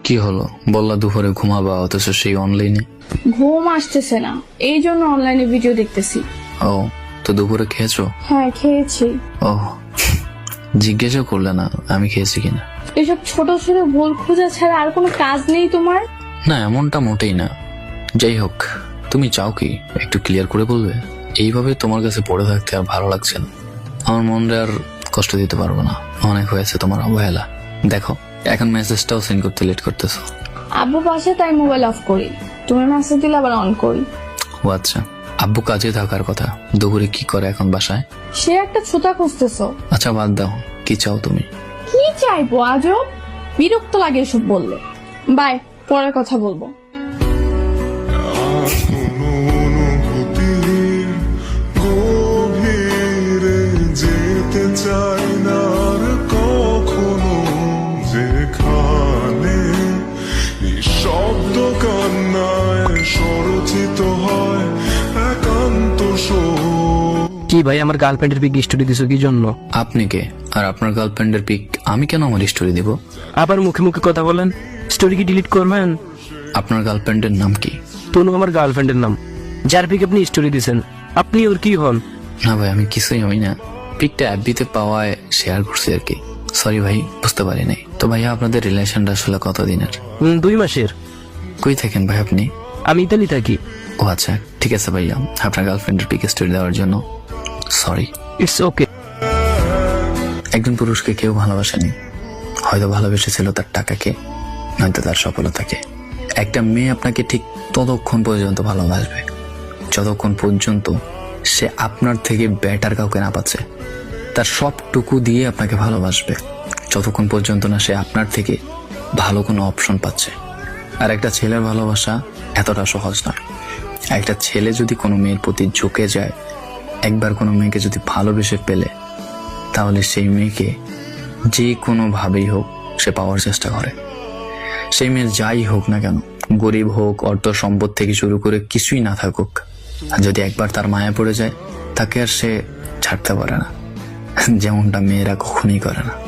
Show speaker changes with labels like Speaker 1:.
Speaker 1: কি হলো? বললা দুপুরে ঘুমাবা, অথচ সেই অনলাইনে।
Speaker 2: ঘুম আসতেছে না, এই জন্য অনলাইনে ভিডিও দেখতেছি।
Speaker 1: ও, তো দুপুরে খেয়েছো?
Speaker 2: হ্যাঁ খেয়েছি।
Speaker 1: ও, জিজ্ঞাসা করলে না আমি খেয়েছি কিনা।
Speaker 2: এসব ছোট ছোট ভুল খোঁজা ছাড়া আর কোনো কাজ নেই তোমার?
Speaker 1: না, এমনটা মোটেই না। যাই হোক, তুমি চাও কি একটু ক্লিয়ার করে বলবে? এইভাবে তোমার কাছে পড়ে থাকতে আর ভালো লাগছে না। আমার মনে আর কষ্ট দিতে পারবো না, অনেক হয়েছে তোমার অবহেলা। দেখো, এখন মেসেজটাও সেন্ড করতে লেট করতেছো।
Speaker 2: আব্বু পাশে তাই মোবাইল অফ করি, তুমি মেসেজ দিলে আবার অন করি।
Speaker 1: ও আচ্ছা, আব্বু কাজে থাকার কথা, দুপুরে কি করে এখন বাসায়?
Speaker 2: সে একটা ছুতা খুঁজতেছো।
Speaker 1: আচ্ছা বাদ দাও, কি চাও তুমি?
Speaker 2: কি চাইবো আজব, বিরক্ত লাগে এসব বললে। বাই, পরে কথা বলবো।
Speaker 3: গভীরে যেতে চাই না আর কখনো, যেখানে নিঃশব্দ কান্নায় স্বরচিত হয় একান্ত শোক।
Speaker 4: কি ভাই, আমার গার্লফ্রেন্ডের পিক স্টোরি দিছো কি জন্য?
Speaker 1: আপনি কে? আর আপনার গার্লফ্রেন্ডের পিক আমি কেন আমার স্টোরি দিব?
Speaker 4: আবার মুখে মুখে কথা বলেন, স্টোরি কি ডিলিট করবেন?
Speaker 1: আপনার গার্লফ্রেন্ডের নাম কি?
Speaker 4: তনু আমার গার্লফ্রেন্ডের নাম, যার পিক আপনি স্টোরি দিছেন। আপনি ওর কি হন?
Speaker 1: না ভাই, আমি কিছুই হই না, পিকটা অ্যাপবিতে পাওয়ায় শেয়ার করছি আর কি। সরি ভাই, বুঝতে পারি নাই। তো ভাইয়া, আপনাদের রিলেশনটা আসলে কতদিনের?
Speaker 4: 2 মাসের।
Speaker 1: কই থাকেন ভাই আপনি?
Speaker 4: আমি ইতালি থাকি।
Speaker 1: ও আচ্ছা, ঠিক আছে ভাইয়া, আপনার গার্লফ্রেন্ডের পিক স্টোরি দেওয়ার জন্য সরি।
Speaker 4: It's okay.
Speaker 1: একজন পুরুষকে কেউ ভালোবাসেনি, হয়তো ভালোবেসেছিল তার টাকাকে, নয়তো তার সফলতাকে। একটা মেয়ে আপনাকে ঠিক ততক্ষণ পর্যন্ত ভালোবাসবে যতক্ষণ পর্যন্ত সে আপনার থেকে বেটার কাউকে না পাচ্ছে। তার সবটুকু দিয়ে আপনাকে ভালোবাসবে যতক্ষণ পর্যন্ত না সে আপনার থেকে ভালো কোনো অপশন পাচ্ছে। আর একটা ছেলের ভালোবাসা এতটা সহজ নয়। একটা ছেলে যদি কোনো মেয়ের প্রতি ঝুঁকে যায়, একবার কোনো মেয়েকে যদি ভালোবেসে পেলে, তাহলে সেই মেয়েকে যে কোনোভাবেই হোক সে পাওয়ার চেষ্টা করে। সেই মেয়ে যাই হোক না কেন, গরিব হোক, অর্থ সম্পদ থেকে শুরু করে কিছুই না থাকুক, আর যদি একবার তার মায়া পড়ে যায়, তাকে আর সে ছাড়তে পারে না, যেমনটা মেয়েরা কখনোই করে না।